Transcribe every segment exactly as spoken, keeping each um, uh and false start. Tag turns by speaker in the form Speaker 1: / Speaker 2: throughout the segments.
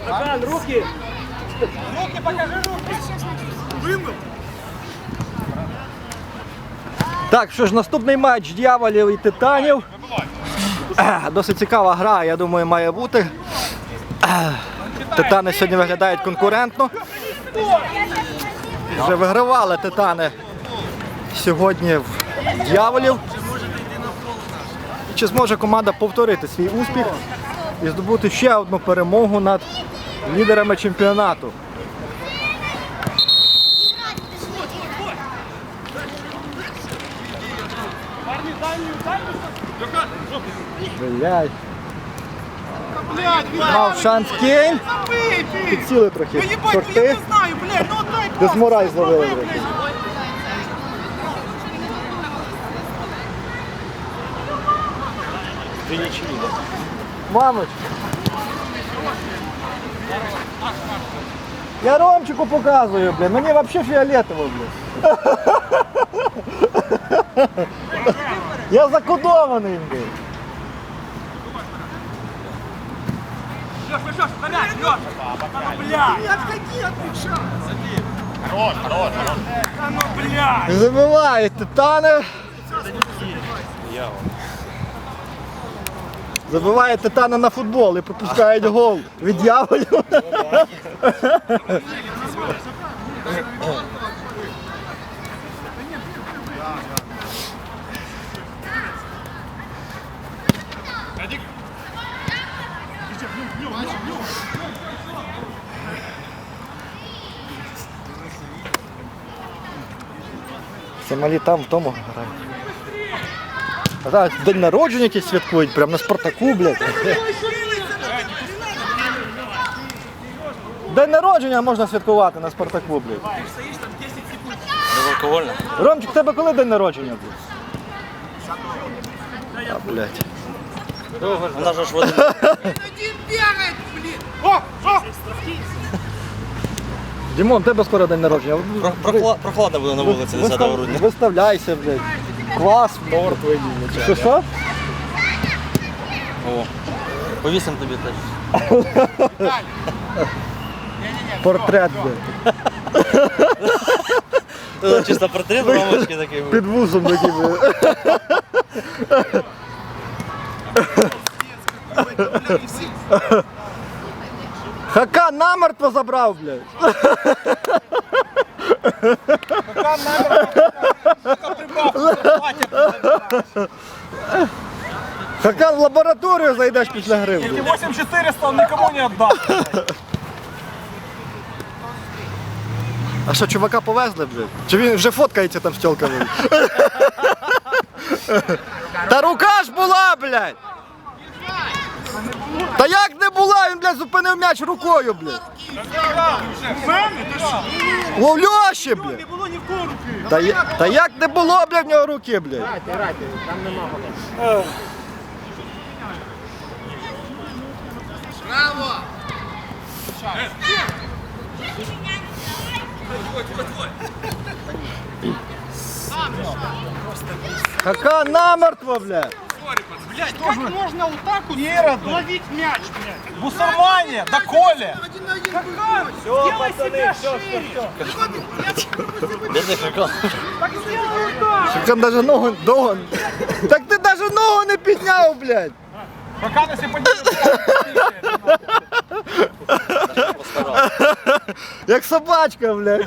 Speaker 1: Хакан, руки!
Speaker 2: Руки, покажи руки! Вымыл!
Speaker 3: Так, що ж, наступний матч Д'яволів і Титанів. Досить цікава гра, я думаю, має бути. Титани сьогодні виглядають конкурентно. Вже вигравали Титани сьогодні в Д'яволів. Чи зможе команда повторити свій успіх і здобути ще одну перемогу над лідерами чемпіонату? Блядь. Мав шанс Кейн. Підсіли трохи. Шорти. Дезмораль зловили. Мамочка. Я Ромчику показую, блін. Мені взагалі фіолетово, блін. Я закодований, блін.
Speaker 2: Лёш, Лёш, опять, Лёш! Бля! Не отходи от мяча! Хорош, хорош, хорош! Да ну, бля!
Speaker 3: Забивають Титани. Забивають Титани на футбол і пропускають гол від Д'яволів. Це малі там в тому грають. А зараз день народження якийсь святкують, прямо на Спартаку, блядь. День народження можна святкувати на Спартаку, блядь.
Speaker 1: Безалкогольно?
Speaker 3: Ромчик, в тебе коли день народження був? А, блядь.
Speaker 1: Вона ж в один.
Speaker 2: О! О!
Speaker 3: Дімон, в тебе скоро день народження.
Speaker 1: Прохла- Прохладно буде на вулиці десятого грудня.
Speaker 3: Виставляйся, блядь. Клас, торт вийди. Що, що?
Speaker 1: О, повісимо тобі теж.
Speaker 3: Портрет, блядь.
Speaker 1: Тут чисто портрет мамочки такий.
Speaker 3: Під вузом такий, блядь. Хакан намертво забрав, блядь.
Speaker 2: Хакан намертво.
Speaker 3: Хакан в лабораторію зайдеш після гри.
Speaker 2: Эти восемь четыреста он никому не отдал.
Speaker 3: А що, чувака повезли, блядь? Чи він вже фоткається там з тілками? Та рука ж була, блядь! Та як не була, він, блядь, зупинив м'яч рукою, блядь. Ловльоші, блядь.
Speaker 2: Не було ні в кого руки.
Speaker 3: Та, я- та як не було, блядь, в нього руки, блядь. Хакан намертво, блядь.
Speaker 2: Блядь, как можно вот так вот ловить мяч, блядь? Бусурмане, да Коля! Хакан, сделай себя шире!
Speaker 1: Бідний Хакан.
Speaker 2: Так сделай вот так!
Speaker 3: Хакан даже ногу, ногу. Так ти даже ногу не підняв, блядь.
Speaker 2: Хакан, если поднимешь,
Speaker 3: Як собачка, блядь.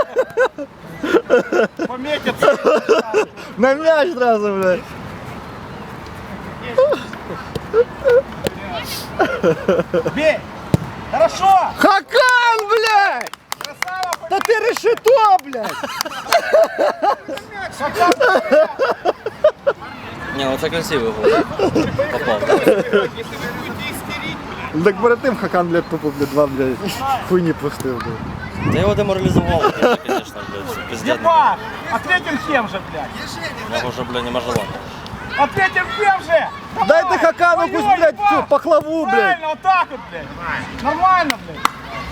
Speaker 2: пометится.
Speaker 3: На м'яч одразу, блядь.
Speaker 2: Бей! Хорошо!
Speaker 3: Хакан, блядь!
Speaker 2: Красава!
Speaker 3: Та ти решето, блядь!
Speaker 2: Хакан!
Speaker 1: Ні, ну це красивий гол. Попав, так?
Speaker 2: Если вы будете истерить, блядь.
Speaker 3: Так перед тим Хакан, блядь, тупо, блядь, два, блядь, хуйні пустив, блядь.
Speaker 1: Та його деморалізували, звісно, блядь. Пиздец.
Speaker 2: Епа! Ответим тем же, блядь!
Speaker 1: Я вже, блядь, не можу ладно.
Speaker 2: Ответим тем же! Давай!
Speaker 3: Дайте Хакану
Speaker 2: Ой,
Speaker 3: якусь, блядь,
Speaker 2: Епа!
Speaker 3: цю пахлаву, блядь.
Speaker 2: Правильно, вот так вот, блядь! Нормально, блядь!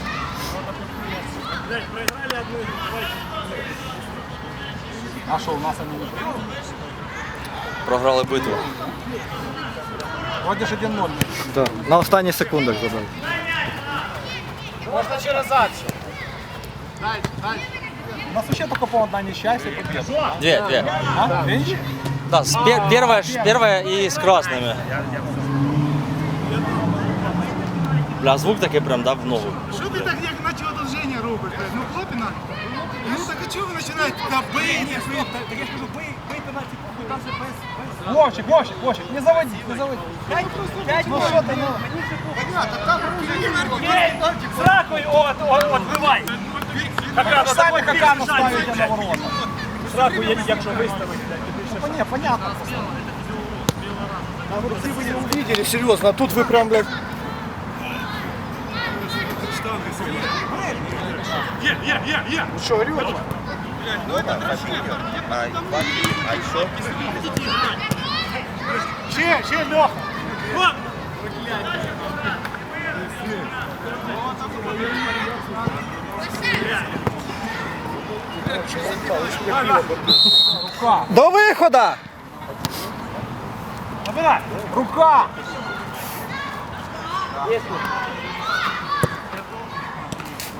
Speaker 2: А что, у нас они не были?
Speaker 1: Програли битву.
Speaker 2: Вроде же один ноль.
Speaker 3: Да, на останніх секундах забив.
Speaker 2: Можно через задачу. У нас вообще только по одна несчастье победа.
Speaker 1: Две, две.
Speaker 2: А? Видишь?
Speaker 1: Да, с пер- первая, ш- первая и с красными. Бля, звук такой прям, да, в ногу.
Speaker 4: Что ты так як начал одолжение робишь? Ну хлопі надо. Ну так а чого ви починаєте? Та бий, ні, стоп.
Speaker 2: Так я скажу, бей, бей пенальти, там же без, без... Вовчик, Вовчик, Вовчик, не заводи, не заводи. Пять, пять, ну что ты, ну...
Speaker 4: Понятно, так руки
Speaker 2: С ракой от, от, отбивай. Самі какану ставите на ворота. С ракой, якщо виставити. Ну, не, понятно. А вот если вы не увидели, серьезно, а тут вы прям, блядь...
Speaker 4: Є, є, є, є.
Speaker 2: Ну что, орёте?
Speaker 4: Ще, ще, Леха. Вон.
Speaker 2: Рука,
Speaker 3: До виходу!
Speaker 4: Набирай.
Speaker 2: рука!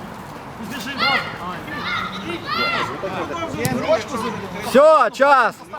Speaker 3: Все, час!